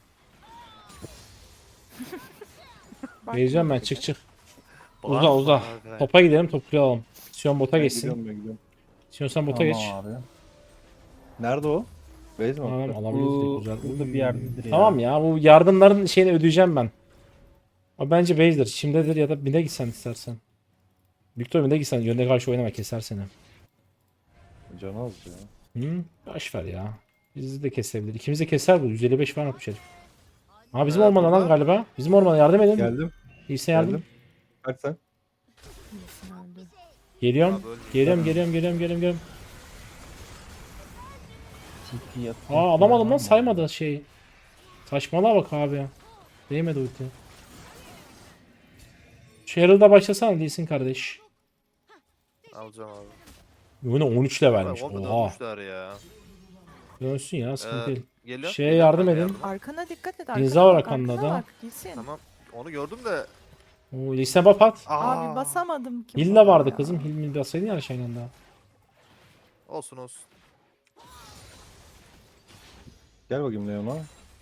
[SPEAKER 4] Bak
[SPEAKER 1] Beyeceğim
[SPEAKER 4] ne
[SPEAKER 1] ben,
[SPEAKER 4] dedi.
[SPEAKER 1] çık çık.
[SPEAKER 3] Bağırma
[SPEAKER 1] Uza uza.
[SPEAKER 3] abi.
[SPEAKER 1] Topa gidelim, topu alalım. Sion bota
[SPEAKER 5] Ben
[SPEAKER 1] geçsin.
[SPEAKER 5] gidiyorum, ben gidiyorum.
[SPEAKER 1] Sion sen bota
[SPEAKER 2] Tamam
[SPEAKER 1] geç.
[SPEAKER 2] abi.
[SPEAKER 5] Nerede o? Base mi?
[SPEAKER 1] Tamam
[SPEAKER 5] attı?
[SPEAKER 1] alabiliriz de
[SPEAKER 2] Bu
[SPEAKER 1] güzel.
[SPEAKER 2] burada bir yerdedir ya.
[SPEAKER 1] Tamam ya, bu yardımların şeyini ödeyeceğim ben. O bence base'dir. Şimdidir ya da bine gitsen istersen. Victor bine gitsen yönde karşı oynama, keser seni.
[SPEAKER 5] Canı az ya.
[SPEAKER 1] Hı? Boş ver ya. Bizi de kesebilir. İkimiz de keser bu. 155 falan atmış herif. Aa bizim ormana lan
[SPEAKER 3] burada.
[SPEAKER 1] galiba. Bizim ormana yardım edin.
[SPEAKER 5] Geldim.
[SPEAKER 1] İyisine yardım.
[SPEAKER 5] Geldim. Kaç sen?
[SPEAKER 4] İyisin öldü.
[SPEAKER 1] Geliyorum.
[SPEAKER 3] Abi ölmüş.
[SPEAKER 1] Geliyorum.
[SPEAKER 2] TP yap.
[SPEAKER 1] Aa alamadım lan, saymadı şey. Saçmalığa bak abi. Değmedi ulti. Şu Herald'a başlasana değilsin kardeş.
[SPEAKER 3] Alacağım abi.
[SPEAKER 1] Yine 13 levelmiş.
[SPEAKER 3] O kadar
[SPEAKER 1] Oha.
[SPEAKER 3] olmuşlar ya.
[SPEAKER 1] Dönsün ya, sıkıntı değil.
[SPEAKER 3] Geliyor.
[SPEAKER 1] Şeye yardım edin.
[SPEAKER 4] Arkana dikkat et.
[SPEAKER 1] Linza
[SPEAKER 4] Arkana
[SPEAKER 1] var
[SPEAKER 4] bak,
[SPEAKER 1] arkanda
[SPEAKER 4] arkana
[SPEAKER 1] da.
[SPEAKER 4] bak. Gitsin.
[SPEAKER 3] Tamam. Onu gördüm de.
[SPEAKER 1] Oo, liste buff at.
[SPEAKER 4] Abi basamadım ki.
[SPEAKER 1] Hill de
[SPEAKER 4] buna
[SPEAKER 1] vardı
[SPEAKER 4] ya.
[SPEAKER 1] kızım. Hill mi bassaydın ya şeyden daha.
[SPEAKER 3] Olsun olsun.
[SPEAKER 5] Gel bakayım Leon'a.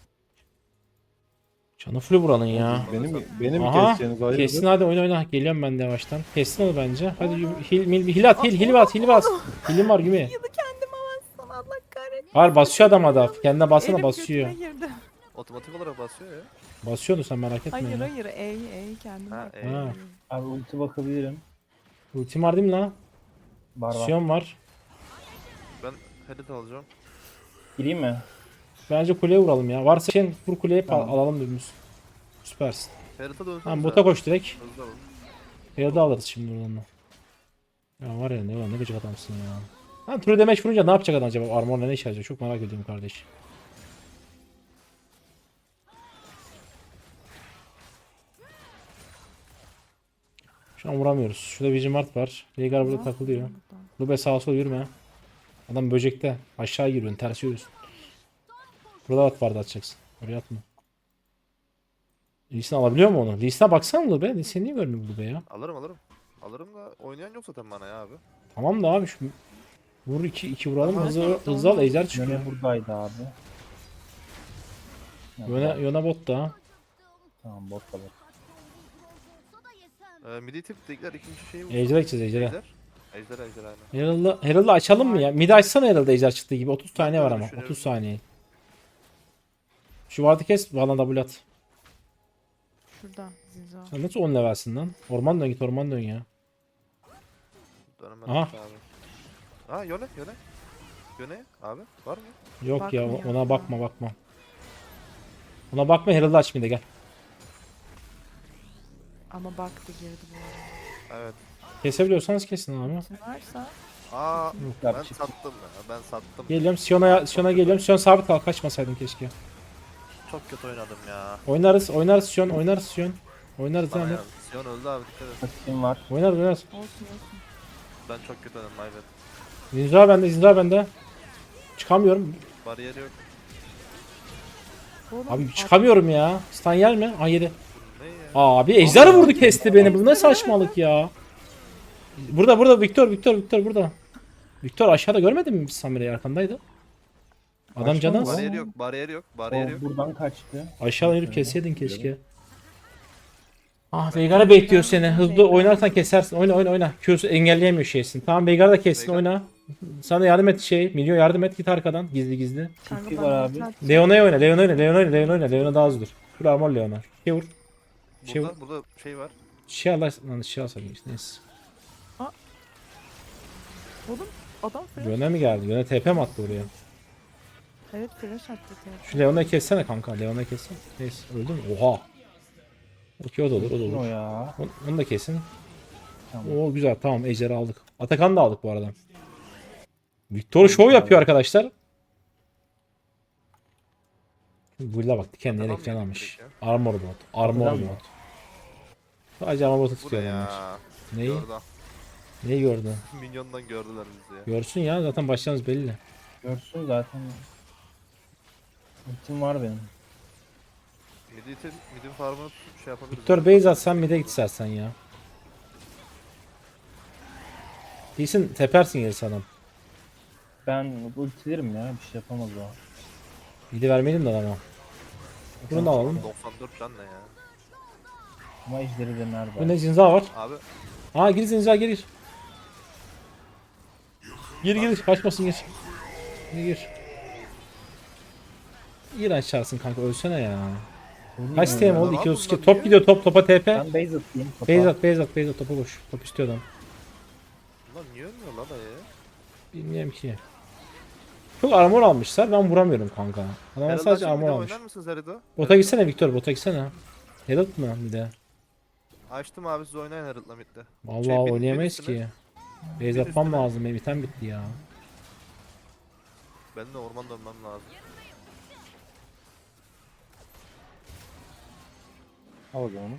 [SPEAKER 1] Canı full buranın ya.
[SPEAKER 5] Benim
[SPEAKER 1] Aha.
[SPEAKER 5] keseceğiniz ayrıdır.
[SPEAKER 1] Kessin hadi, oyna. Geliyorum ben de yavaştan. Kessin onu bence. Hadi Hill at. Hill bas. Hill'im var gibi.
[SPEAKER 4] Yılı kendime bassam Allah kahretsin.
[SPEAKER 1] Var basıyor adam adam. Kendine bassana,
[SPEAKER 4] Elim
[SPEAKER 1] basıyor.
[SPEAKER 4] götüme girdi.
[SPEAKER 3] Otomatik olarak basıyor ya.
[SPEAKER 1] Basıyordu, sen merak etme
[SPEAKER 4] Hayır
[SPEAKER 1] ya.
[SPEAKER 4] hayır ey kendime.
[SPEAKER 3] Ha,
[SPEAKER 1] Ha.
[SPEAKER 2] Abi ulti bakabilirim.
[SPEAKER 1] Ultim var değil mi lan?
[SPEAKER 2] Var var.
[SPEAKER 1] Sion var.
[SPEAKER 3] Ben headed alacağım.
[SPEAKER 2] Gireyim mi?
[SPEAKER 1] Bence kuleye vuralım ya. Varsa şey vur kuleye
[SPEAKER 2] Tamam.
[SPEAKER 1] alalım dümdüz. Süpersin.
[SPEAKER 3] Headed'a dönsene.
[SPEAKER 1] Tamam bota koş direkt.
[SPEAKER 3] Hızlı alın.
[SPEAKER 1] Herald'ı alırız şimdi buradan da. Ya var ya, ne gıcık adamsın ya. Lan true damage vurunca ne yapacak adam acaba? Armor'la ne işe yarayacak? Çok merak ediyorum kardeş. Şu an vuramıyoruz. Şurada Vigimart var. Veigar burada takılıyor. Lube sağa sola yürüme. Adam böcekte. Aşağı giriyorsun. Ters yürüyorsun. Burada at vardı, atacaksın. Oraya atma. Lee Sin alabiliyor mu onu? Lee Sin'e baksana Lube. Lee Sin niye görmüyor Lube ya?
[SPEAKER 3] Alırım. Alırım da oynayan yok zaten bana ya abi.
[SPEAKER 1] Tamam da abi şu vur iki vuralım,
[SPEAKER 3] Tamam.
[SPEAKER 1] hızlı al, ejder çıkıyor.
[SPEAKER 2] Yöne buradaydı abi.
[SPEAKER 1] Yöne bot da.
[SPEAKER 2] Tamam bot da bot.
[SPEAKER 3] Midi tip tekrar ikinci şeyi vur.
[SPEAKER 1] Ejder gideceğiz ejder'e.
[SPEAKER 3] Ejder aynen.
[SPEAKER 1] Herald'ı açalım mı ya? Midi açsana, Herald'ı ejder çıktığı gibi. 30 saniye var
[SPEAKER 3] öyle
[SPEAKER 1] ama.
[SPEAKER 3] düşünüyorum.
[SPEAKER 1] 30 saniye. Şu vardı kes. Valla double at.
[SPEAKER 4] Şurada Zinza.
[SPEAKER 1] Sen nasıl 10 levelsin lan? Orman dön, git orman dön ya.
[SPEAKER 3] Dönemem
[SPEAKER 1] Aha.
[SPEAKER 3] abi. Ha Yone. Yone abi var mı?
[SPEAKER 1] Yok ya,
[SPEAKER 4] Bakmıyor
[SPEAKER 1] ona
[SPEAKER 4] ya.
[SPEAKER 1] bakma. Ona bakma, Herald'ı aç mide gel.
[SPEAKER 4] Ama baktı girdi bu arada.
[SPEAKER 3] Evet.
[SPEAKER 1] Kesebiliyorsanız kesin abi.
[SPEAKER 4] Kim varsa
[SPEAKER 3] Aa
[SPEAKER 2] Yap,
[SPEAKER 3] ben
[SPEAKER 2] çık.
[SPEAKER 3] sattım ya. Ben sattım.
[SPEAKER 1] Geliyorum Sion'a geliyorum. Sion sabit kal, kaçmasaydın keşke.
[SPEAKER 3] Çok kötü oynadım ya.
[SPEAKER 1] Oynarız Sion. Oynarız
[SPEAKER 3] Bana
[SPEAKER 1] yani.
[SPEAKER 3] ya. Sion öldü abi dikkat et.
[SPEAKER 2] Ultim var.
[SPEAKER 1] Oynarız.
[SPEAKER 4] olsun.
[SPEAKER 3] Ben çok kötü oynadım maybet.
[SPEAKER 1] Zinza bende. Çıkamıyorum.
[SPEAKER 3] Bariyer yok.
[SPEAKER 4] Oğlum,
[SPEAKER 1] Abi çıkamıyorum ya. Stun yer mi? Aa yedi.
[SPEAKER 3] Ne ya?
[SPEAKER 1] Abi ejder vurdu, kesti beni. Bu ne saçmalık ya. Burada Victor burada. Victor aşağıda görmedin mi Samire'yi, arkandaydı. Adam
[SPEAKER 2] Kaçtı
[SPEAKER 1] canı
[SPEAKER 2] mı
[SPEAKER 1] az.
[SPEAKER 2] lan?
[SPEAKER 3] Bariyer yok.
[SPEAKER 2] O
[SPEAKER 3] Bariyer yok.
[SPEAKER 2] buradan kaçtı.
[SPEAKER 1] Aşağı inip kesseydin keşke. Ah Veigar'a bekliyor seni. Hızlı oynarsan kesersin. Oyna. Q'su engelleyemiyor şeysin. Tamam Veigar da kessin,
[SPEAKER 3] Veigar.
[SPEAKER 1] oyna. Sana yardım et Milyon yardım et, git arkadan gizli.
[SPEAKER 4] Kanka
[SPEAKER 2] TP
[SPEAKER 4] bana
[SPEAKER 2] var abi.
[SPEAKER 4] atar.
[SPEAKER 1] Leona'ya oyna. Leona daha hızlıdır. Full armor Leona. Şey vur. Şey vur.
[SPEAKER 3] Burada şey var.
[SPEAKER 1] Şey alsaydım işte, neyse.
[SPEAKER 4] Oğlum adam flash.
[SPEAKER 1] Yöne mi geldi? Yöne TP mi attı oraya?
[SPEAKER 4] Evet flash attı. TP.
[SPEAKER 1] Şu Leona'yı kessene kanka. Leona'yı kessene. Neyse öldü mü? Oha. Okey, o da olur.
[SPEAKER 2] Kim o ya?
[SPEAKER 1] Onu da kesin.
[SPEAKER 2] Tamam.
[SPEAKER 1] Oo güzel, tamam, ejderi aldık. Atakan'ı da aldık bu arada. Victor show yapıyor arkadaşlar. Bull'a bak, kendine
[SPEAKER 3] Atakan
[SPEAKER 1] ekran
[SPEAKER 3] mı
[SPEAKER 1] almış.
[SPEAKER 3] direkt
[SPEAKER 1] Armor bot.
[SPEAKER 2] Atakan mı?
[SPEAKER 1] Sadece armor botu
[SPEAKER 3] Bu ne
[SPEAKER 1] tutuyor adamlar.
[SPEAKER 3] ya?
[SPEAKER 1] Neyi?
[SPEAKER 3] Yorda.
[SPEAKER 1] Neyi gördü?
[SPEAKER 3] Minyondan gördüler bizi ya.
[SPEAKER 1] Görsün ya zaten başlarımız belli.
[SPEAKER 2] Görsün zaten. Ultim var benim.
[SPEAKER 3] Midin farmını şey yapabiliriz.
[SPEAKER 1] Victor base atsan mid'e git istersen ya. Değilsin tepersin gerisi adam.
[SPEAKER 2] Ben ultilerim ya. Bir şey yapamaz o.
[SPEAKER 1] Mid'i vermeyelim de adama. Bunu da alalım.
[SPEAKER 3] 94 can ne ya?
[SPEAKER 2] Ama ejderi de nerede?
[SPEAKER 1] Bu ne zinza var?
[SPEAKER 3] Abi
[SPEAKER 1] Aa gir zinza gir. Gir kaçmasın gir. Gir. Gir aşağısın kanka ölsene ya. Kaç TM oldu?
[SPEAKER 3] Abi
[SPEAKER 1] 232.
[SPEAKER 3] bunlar
[SPEAKER 1] Top
[SPEAKER 3] niye?
[SPEAKER 1] gidiyor topa TP.
[SPEAKER 2] Ben base atayım. topa.
[SPEAKER 1] Base at topa koş. Top istiyor adam.
[SPEAKER 3] bunlar niye ölmüyor lan dayı?
[SPEAKER 1] Bilmiyorum ki. Çok armor almışlar ben vuramıyorum kanka. Adamlar
[SPEAKER 3] Herhalde
[SPEAKER 1] sadece
[SPEAKER 3] açıp bir
[SPEAKER 1] armor
[SPEAKER 3] de
[SPEAKER 1] almış.
[SPEAKER 3] oynar mısınız Herald'ı?
[SPEAKER 1] Bota gitsene Victor bota gitsene. Herald mı bir de?
[SPEAKER 3] Açtım abi siz oynayın Herald'la midde.
[SPEAKER 1] Vallahi
[SPEAKER 3] Şey,
[SPEAKER 1] oynayamayız
[SPEAKER 3] üstüne.
[SPEAKER 1] ki. Base atmam
[SPEAKER 3] üstüne.
[SPEAKER 1] lazım benim item bitti ya.
[SPEAKER 3] Ben de orman dönmem lazım.
[SPEAKER 5] Al o zaman onu.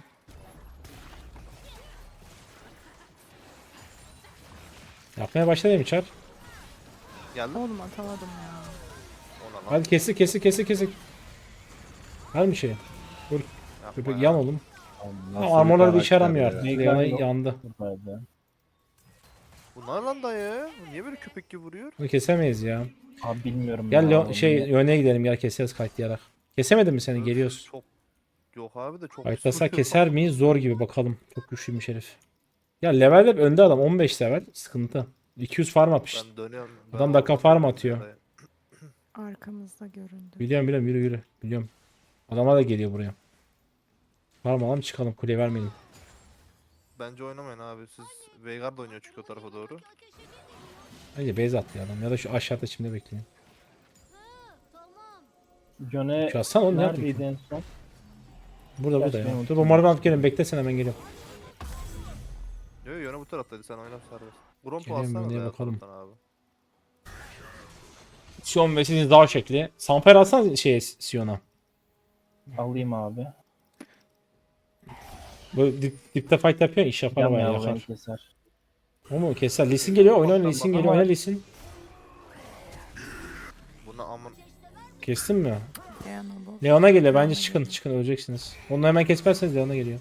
[SPEAKER 1] Yapmaya başladı mı Çar?
[SPEAKER 3] Geldim.
[SPEAKER 4] Oğlum atamadım ya.
[SPEAKER 3] Ona lan.
[SPEAKER 1] Hadi kesik. Var mı şey?
[SPEAKER 3] Yapma
[SPEAKER 1] Köpek
[SPEAKER 3] ya.
[SPEAKER 1] yan oğlum.
[SPEAKER 5] Nasıl
[SPEAKER 1] Ha, armorları bir işe
[SPEAKER 5] karakter
[SPEAKER 1] yaramıyor
[SPEAKER 5] ya?
[SPEAKER 1] artık.
[SPEAKER 2] Veigar
[SPEAKER 1] Leona
[SPEAKER 2] yok.
[SPEAKER 1] yandı.
[SPEAKER 2] Buradaydı.
[SPEAKER 3] Bunlar lan dayı. Bu niye böyle köpek gibi vuruyor?
[SPEAKER 1] Bunu kesemeyiz ya.
[SPEAKER 2] Abi bilmiyorum.
[SPEAKER 1] Gel
[SPEAKER 2] ya,
[SPEAKER 1] Leo yöne gidelim gel keseriz kayıtlayarak. Kesemedin mi seni? Geliyoruz.
[SPEAKER 3] Çok yok abi de çok
[SPEAKER 1] Kayıtlasak
[SPEAKER 3] vuruyor.
[SPEAKER 1] keser miyiz? Zor gibi bakalım. Çok güçlüymüş herif. Ya level hep önde adam 15 level. Sıkıntı. 200 farm atmış.
[SPEAKER 3] Ben dönüyorum. Ben
[SPEAKER 1] Adam dakika
[SPEAKER 3] orman
[SPEAKER 1] farm
[SPEAKER 3] dönüyorum
[SPEAKER 1] atıyor.
[SPEAKER 3] ya dayı.
[SPEAKER 4] Arkamızda göründü.
[SPEAKER 1] Biliyorum yürü. Biliyorum. Adamlar da geliyor buraya. Var mı alalım çıkalım kuleye vermeyelim.
[SPEAKER 3] Bence oynamayın abi. Siz Veigar da oynuyor çünkü o tarafa doğru.
[SPEAKER 1] Bence base attı ya adam ya da şu aşağıda şimdi bekleyin.
[SPEAKER 2] Yone
[SPEAKER 1] Şu aslan oğlum ne
[SPEAKER 2] neredeydi
[SPEAKER 1] yapıyor?
[SPEAKER 2] en son?
[SPEAKER 1] Burada
[SPEAKER 2] Gerçi
[SPEAKER 1] ya.
[SPEAKER 2] benim
[SPEAKER 1] Dur
[SPEAKER 2] ultim
[SPEAKER 1] bombardıman
[SPEAKER 2] yok.
[SPEAKER 1] alıp gelin bekle hemen geliyorum.
[SPEAKER 3] Yok yöne bu taraftaydı sen oyna serbest. Grompo
[SPEAKER 1] Geliyorum,
[SPEAKER 3] alsana
[SPEAKER 1] yöneye
[SPEAKER 3] da ya
[SPEAKER 1] bakalım.
[SPEAKER 3] taraftan abi.
[SPEAKER 1] Sion ve sizin dağ şekli. Samper alsana Sion'a.
[SPEAKER 2] Alayım abi.
[SPEAKER 1] Böyle dipte fight yapıyor iş yapar
[SPEAKER 2] Yan
[SPEAKER 1] bayağı
[SPEAKER 2] ya beni
[SPEAKER 1] yakar.
[SPEAKER 2] keser.
[SPEAKER 1] O mu keser? Lee Sin geliyor oyna
[SPEAKER 3] Baktan
[SPEAKER 1] Lee Sin
[SPEAKER 3] bak
[SPEAKER 1] geliyor
[SPEAKER 2] ama-
[SPEAKER 1] oyna Lee Sin.
[SPEAKER 3] Buna amın.
[SPEAKER 1] Kestin mi?
[SPEAKER 4] Leona bu.
[SPEAKER 1] Leona geliyor bence
[SPEAKER 4] Leona
[SPEAKER 1] çıkın
[SPEAKER 4] geliyor.
[SPEAKER 1] çıkın öleceksiniz. Onu hemen kesmezseniz Leona geliyor.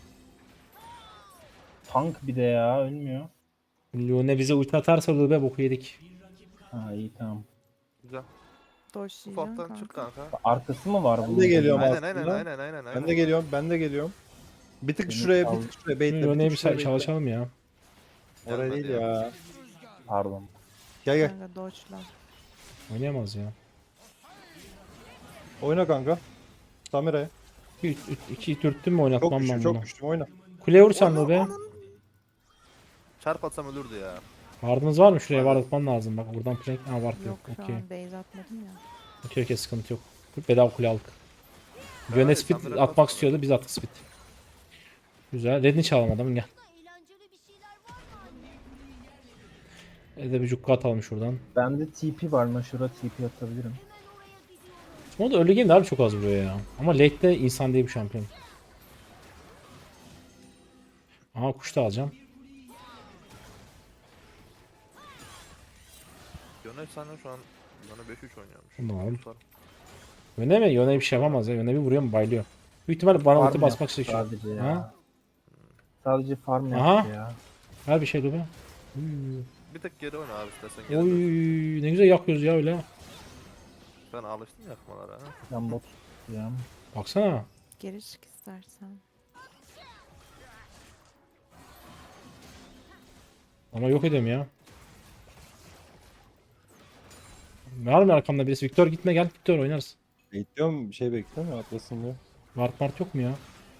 [SPEAKER 2] Tank bir de ya ölmüyor.
[SPEAKER 1] Leona bize ulti atarsa Lube boku yedik.
[SPEAKER 2] Ha iyi tamam.
[SPEAKER 3] Güzel.
[SPEAKER 4] Doşlayacağım
[SPEAKER 3] Ufaktan çık
[SPEAKER 4] kanka.
[SPEAKER 3] kanka.
[SPEAKER 2] Arkası mı var bunun?
[SPEAKER 5] de geliyorum.
[SPEAKER 3] Aynen
[SPEAKER 5] aslında.
[SPEAKER 3] aynen.
[SPEAKER 5] Ben de geliyorum. Bir tık
[SPEAKER 2] Beni
[SPEAKER 5] şuraya,
[SPEAKER 2] al.
[SPEAKER 5] bir tık şuraya. Bekle,
[SPEAKER 1] Leona'yı bir
[SPEAKER 5] tık şuraya bekle.
[SPEAKER 1] çalışalım ya.
[SPEAKER 5] Oraya değil
[SPEAKER 3] Gelmedi
[SPEAKER 5] ya.
[SPEAKER 2] Pardon.
[SPEAKER 5] Gel.
[SPEAKER 4] Kanka doçla.
[SPEAKER 1] Oynayamaz ya.
[SPEAKER 5] Oyna kanka. Samira'ya.
[SPEAKER 1] İki dürttüm mü
[SPEAKER 5] Çok
[SPEAKER 1] oynatmam
[SPEAKER 5] güçlü,
[SPEAKER 1] ben
[SPEAKER 5] çok
[SPEAKER 1] bunu.
[SPEAKER 5] güçlü. Oyna.
[SPEAKER 1] Kuleye vursan Lube.
[SPEAKER 3] Çarp atsam ölürdü ya.
[SPEAKER 1] Ward'ınız var mı? Şuraya ward atman lazım. Bak buradan plank. Ha ward yok.
[SPEAKER 4] Yok şu
[SPEAKER 1] Okey.
[SPEAKER 4] an base atmadım ya.
[SPEAKER 1] Okey sıkıntı yok. Bedava kule aldık. Yöne
[SPEAKER 3] hayır,
[SPEAKER 1] speed
[SPEAKER 3] sen biraz
[SPEAKER 1] atmak
[SPEAKER 3] atma.
[SPEAKER 1] istiyordu biz attık speed. Güzel. Redini çalalım adamın gel. Bir bir cukka atalım şuradan.
[SPEAKER 2] Bende TP var mı? Şurada TP atabilirim.
[SPEAKER 1] O da early game'de harbi çok az vuruyor ya. Ama late'de insan değil bu şampiyon. Aha kuş da alacağım.
[SPEAKER 3] Yöne sen şu an Yöne 5-3 oynuyormuş.
[SPEAKER 1] Tamam.
[SPEAKER 3] Tutar.
[SPEAKER 1] Yöne mi? Yöne bir şey yapamaz ya. Yöne bir vuruyor mu baylıyor. Büyük ihtimalle bana ulti
[SPEAKER 2] Farm
[SPEAKER 1] basmak
[SPEAKER 2] yaptı
[SPEAKER 1] istiyor.
[SPEAKER 2] sadece ya.
[SPEAKER 1] Ha?
[SPEAKER 2] Sadece farm
[SPEAKER 1] Aha.
[SPEAKER 2] yaptı ya.
[SPEAKER 1] Ver bir şey dur be.
[SPEAKER 3] Bir tek geri oyna abi istersen geri
[SPEAKER 1] Oy
[SPEAKER 3] dön.
[SPEAKER 1] ne güzel yakıyoruz ya öyle.
[SPEAKER 3] Ben alıştım yakmalara. Ha.
[SPEAKER 2] Ben bot ya.
[SPEAKER 1] Baksana.
[SPEAKER 4] Geri çık istersen.
[SPEAKER 1] Ama yok edeyim ya. Var mı arkamda birisi? Victor gitme gel. Victor oynarız.
[SPEAKER 5] Bekliyorum, bir şey bekliyorum ya, atlasın diyor.
[SPEAKER 1] Ward yok mu ya?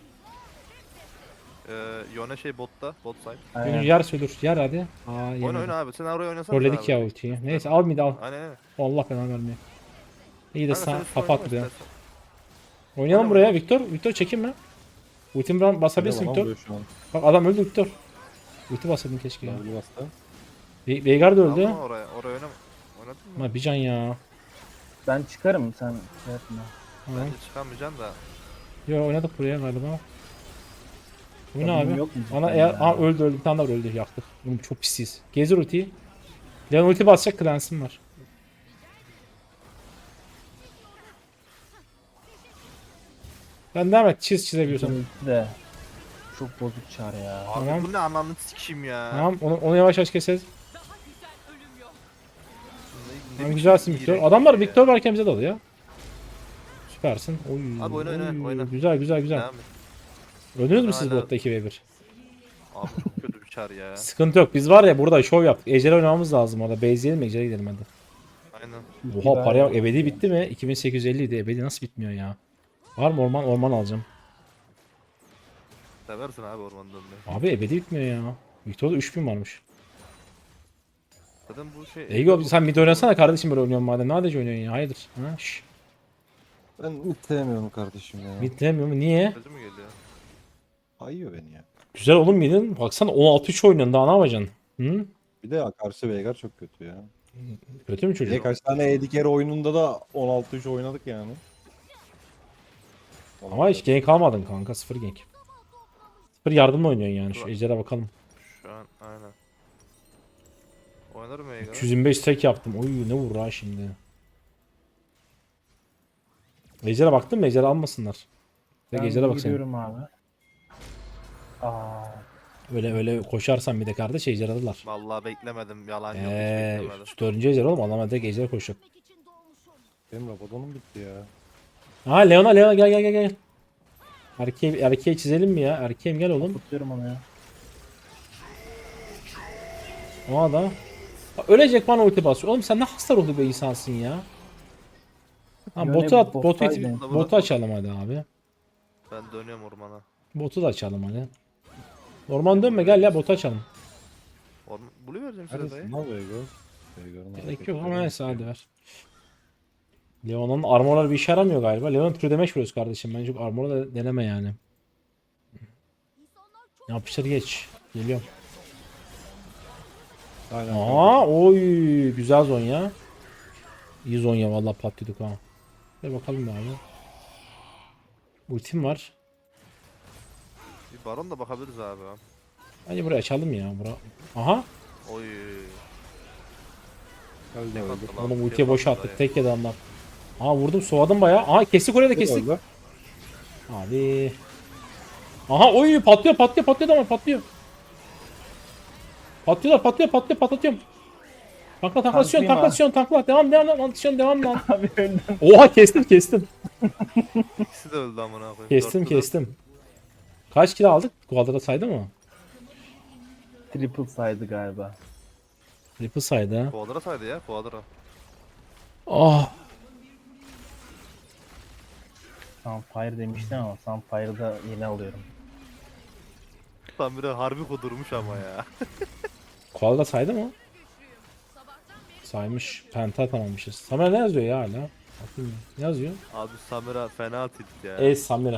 [SPEAKER 3] Yöne şey botta. Bot side.
[SPEAKER 2] Aynen.
[SPEAKER 1] Yer söylür. Yer hadi. Aa
[SPEAKER 3] Oyna
[SPEAKER 1] yemedi.
[SPEAKER 3] oyna abi. Sen oraya oynasana.
[SPEAKER 1] Trolledik ya ultiyi. Neyse al mid al.
[SPEAKER 3] Aynen.
[SPEAKER 1] Allah belanı vermiyor. İyi de
[SPEAKER 3] Kanka,
[SPEAKER 1] sağ
[SPEAKER 3] sen üstüne
[SPEAKER 1] kapat
[SPEAKER 3] oynama
[SPEAKER 1] buraya.
[SPEAKER 3] istersen.
[SPEAKER 1] Oynayalım
[SPEAKER 3] Oynama,
[SPEAKER 1] buraya
[SPEAKER 3] oynama.
[SPEAKER 1] Victor. Victor çekinme. Ultim falan basabilirsin
[SPEAKER 5] Tamam,
[SPEAKER 1] Victor.
[SPEAKER 5] vuruyor şu an.
[SPEAKER 1] Bak adam öldü Victor. Ulti basaydın keşke ya.
[SPEAKER 5] Double bastı.
[SPEAKER 1] Veigar da öldü.
[SPEAKER 3] Aldın mı oraya? Oraya oynama. Oynadın mı?
[SPEAKER 1] Ama bir can ya.
[SPEAKER 2] Ben çıkarım sen şey yapma.
[SPEAKER 1] Tamam.
[SPEAKER 3] Bence çıkamayacaksın da.
[SPEAKER 1] Yo oynadık buraya galiba. Bu ne
[SPEAKER 2] Adamın
[SPEAKER 1] abi?
[SPEAKER 2] yok mu
[SPEAKER 1] Bana
[SPEAKER 2] cidden
[SPEAKER 1] eğer...
[SPEAKER 2] ya?
[SPEAKER 1] Aa öldü. Bir tane daha öldü. Yaktık. Oğlum çok pisiz. Gezir ultiyi. Leon ulti basacak, Clans'ım var. Ben devam et. Çizebiliyorsan.
[SPEAKER 2] Ulti de çok bozuk çar ya.
[SPEAKER 3] Abi
[SPEAKER 1] Tamam.
[SPEAKER 3] bu ne ananı sikeyim ya.
[SPEAKER 1] Tamam onu yavaş yavaş keseriz.
[SPEAKER 3] Ne
[SPEAKER 1] Tamam,
[SPEAKER 3] biçim
[SPEAKER 1] güzelsin Victor.
[SPEAKER 3] iğrenç
[SPEAKER 1] Adamlar
[SPEAKER 3] ya.
[SPEAKER 1] Victor varken bize dalıyor. Süpersin. Oy,
[SPEAKER 3] Abi oyna, oyna, oyna.
[SPEAKER 1] Güzel güzel güzel.
[SPEAKER 3] Devam et.
[SPEAKER 1] Öldünüz mü
[SPEAKER 3] Ben
[SPEAKER 1] siz
[SPEAKER 3] hala-
[SPEAKER 1] botta 2v1?
[SPEAKER 3] Abi çok kötü bir çar ya.
[SPEAKER 1] Sıkıntı yok. Biz var ya burada şov yaptık. Ejder'e oynamamız lazım orada. Base'leyelim mi? Ejder'e gidelim hadi.
[SPEAKER 3] Aynen.
[SPEAKER 1] Oha paraya bak. Ebedi bitti mi? 2850 idi. Ebedi nasıl bitmiyor ya? Var mı orman? Orman alacağım.
[SPEAKER 3] Seversin abi orman dönmeyi.
[SPEAKER 1] Abi ebedi bitmiyor ya. Victor'da 3000 varmış.
[SPEAKER 3] Zaten bu şey...
[SPEAKER 1] Ego sen mid oynasana kardeşim, böyle oynuyorsun madem. Ne adece oynuyorsun ya? Hayırdır? Ha? Şşş.
[SPEAKER 5] Ben mid sevmiyorum kardeşim ya.
[SPEAKER 1] Mid demiyor mu? Niye?
[SPEAKER 3] Sözü mü geliyor?
[SPEAKER 5] Ayıyor beni ya.
[SPEAKER 1] Güzel oğlum midin. Baksana 16-3 oynuyorsun. Daha ne yapacaksın? Hı?
[SPEAKER 5] Bir de karşı Veigar çok kötü ya.
[SPEAKER 1] Kötü mü
[SPEAKER 5] Bir de
[SPEAKER 1] çocuk?
[SPEAKER 5] kaç tane AD oyununda da 16-3 oynadık yani.
[SPEAKER 1] Ama hiç gank almadın kanka. 0 gank. 0 yardımla oynuyorsun yani. Şu Ejder'e bakalım.
[SPEAKER 3] Şu an aynen. Oynarım Veigar'a.
[SPEAKER 1] 225 stack yaptım. Oy ne vurur ha şimdi. Ejder'e baktın mı? Ejder'e almasınlar.
[SPEAKER 2] Ben
[SPEAKER 1] Ejder'e bak sen.
[SPEAKER 2] gidiyorum abi. Aa,
[SPEAKER 1] Öyle koşarsan bir de kardeş Ejder alırlar.
[SPEAKER 3] Vallahi beklemedim. Yalan yok. Hiç beklemedim.
[SPEAKER 1] 4. Ejder oğlum, adamlar direkt Ejder koşacak.
[SPEAKER 5] Benim Rabadon'um bitti ya.
[SPEAKER 1] Ha Leona gel. Erkeği çizelim mi ya? Erkeğim gel oğlum.
[SPEAKER 2] tutuyorum onu ya.
[SPEAKER 1] O da. Ölecek, bana ulti basıyor. Oğlum sen ne hasta ruhlu bir insansın ya. Ha,
[SPEAKER 2] Yöne
[SPEAKER 1] botu at,
[SPEAKER 2] bottaydı.
[SPEAKER 1] botu açalım hadi abi.
[SPEAKER 3] Ben dönüyorum ormana.
[SPEAKER 1] Botu da açalım hadi. Orman dönme, gel ya botu açalım.
[SPEAKER 3] Orman... Blue vereceğim size dayı.
[SPEAKER 5] Neredesin lan Veigar? Veigar'ın
[SPEAKER 1] Gerek yok ama
[SPEAKER 5] hareketleri.
[SPEAKER 1] neyse hadi ver. Leon'un armorları bir işe yaramıyor galiba. Leon true damage vuruyoruz kardeşim. Bence çok armor'u da deneme yani. Yapıştır geç. Geliyorum.
[SPEAKER 5] Aynen.
[SPEAKER 1] Aa, oy güzel Zonya. İyi Zonya vallahi patladık ha. Hadi bakalım abi. Ultim var.
[SPEAKER 3] Bir baron da bakabiliriz abi.
[SPEAKER 1] Bence burayı açalım ya. Aha.
[SPEAKER 3] Oy.
[SPEAKER 5] Öldü
[SPEAKER 3] Ne
[SPEAKER 5] öldü.
[SPEAKER 3] kaldı lan?
[SPEAKER 1] Oğlum
[SPEAKER 3] Bir
[SPEAKER 1] ultiye boş
[SPEAKER 3] kaldı
[SPEAKER 1] attık.
[SPEAKER 3] dayı.
[SPEAKER 1] Tek yedi adamlar. Aha vurdum, soğadım bayağı. Aha kestik, oraya da kestik.
[SPEAKER 5] Öldü.
[SPEAKER 1] Abi. Aha oy patlıyor ama patlıyor. Patlatıyorum. Tanklasyon. Tankla. Devam atışıyorsun lan.
[SPEAKER 2] Abi öldüm.
[SPEAKER 1] Oha kestim.
[SPEAKER 3] İkisi de öldü amına koyayım. Dörtlü de-
[SPEAKER 1] Kestim. Kaç kilo aldık? Kuadrada saydı mı?
[SPEAKER 2] Triple saydı galiba.
[SPEAKER 1] Triple saydı ha.
[SPEAKER 3] Quadra saydı ya. Quadra.
[SPEAKER 1] Ah.
[SPEAKER 2] Sunfire demiştim ama Sunfire'da yeni alıyorum.
[SPEAKER 3] Tam bir harbi kudurmuş ama ya.
[SPEAKER 1] Kuadrada saydı mı? Saymış. Penta tamammışız. Samira ne yazıyor ya hala? Bakayım. Ne yazıyor?
[SPEAKER 3] Abi Samira fena tilt ya.
[SPEAKER 1] Samira.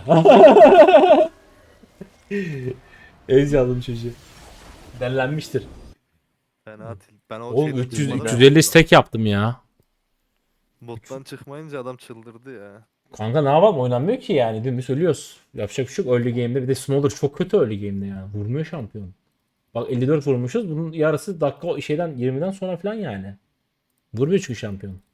[SPEAKER 1] Ez yazdım çocuğu. Dellenmiştir.
[SPEAKER 3] Fena tilt. Ben o
[SPEAKER 1] Oğlum
[SPEAKER 3] şeyden
[SPEAKER 1] 300
[SPEAKER 3] çıkmadan-
[SPEAKER 1] 350 stack yaptım ya.
[SPEAKER 3] Bottan çıkmayınca adam çıldırdı ya.
[SPEAKER 1] Kanka ne yapalım, oynanmıyor ki yani, dümdüz ölüyoruz. Yapacak bir şey yok early game'de, bir de Smolder çok kötü early game'de yani. Vurmuyor şampiyon. Bak 54 vurmuşuz, bunun yarısı dakika şeyden 20'den sonra falan yani. Vurmuyor çünkü şampiyon.